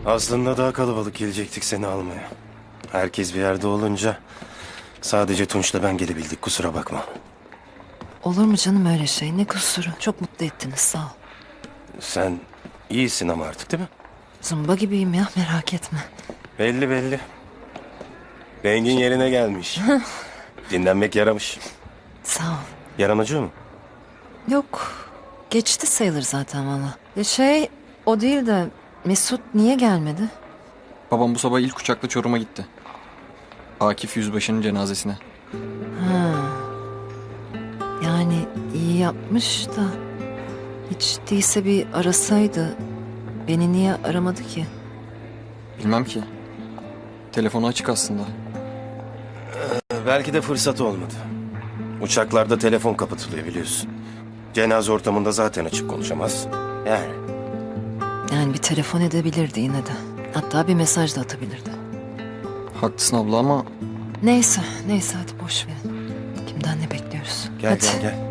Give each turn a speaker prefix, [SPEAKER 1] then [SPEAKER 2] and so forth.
[SPEAKER 1] Aslında daha kalabalık gelecektik seni almaya. Herkes bir yerde olunca sadece Tunç'la ben gelebildik, kusura bakma.
[SPEAKER 2] Olur mu canım öyle şey? Ne kusuru? Çok mutlu ettiniz, sağ ol.
[SPEAKER 1] Sen iyisin ama artık, değil mi?
[SPEAKER 2] Zımba gibiyim ya, merak etme.
[SPEAKER 1] Belli belli. Rengin yerine gelmiş. Dinlenmek yaramış.
[SPEAKER 2] Sağ ol.
[SPEAKER 1] Yaran acıyor mu?
[SPEAKER 2] Yok, geçti sayılır zaten valla. O değil de Mesut niye gelmedi?
[SPEAKER 3] Babam bu sabah ilk uçakla Çorum'a gitti. Akif Yüzbaşı'nın cenazesine.
[SPEAKER 2] Ha. Yani iyi yapmış da hiç değilse bir arasaydı. Beni niye aramadı ki?
[SPEAKER 3] Bilmem ki. Telefonu açık aslında.
[SPEAKER 1] Belki de fırsat olmadı. Uçaklarda telefon kapatılıyor biliyorsun. Cenaze ortamında zaten açık konuşamaz. Yani.
[SPEAKER 2] Yani bir telefon edebilirdi yine de. Hatta bir mesaj da atabilirdi.
[SPEAKER 3] Haklısın abla ama
[SPEAKER 2] Neyse hadi boş verin. Kimden ne bekliyoruz?
[SPEAKER 1] Gel
[SPEAKER 2] Hadi.
[SPEAKER 1] gel gel.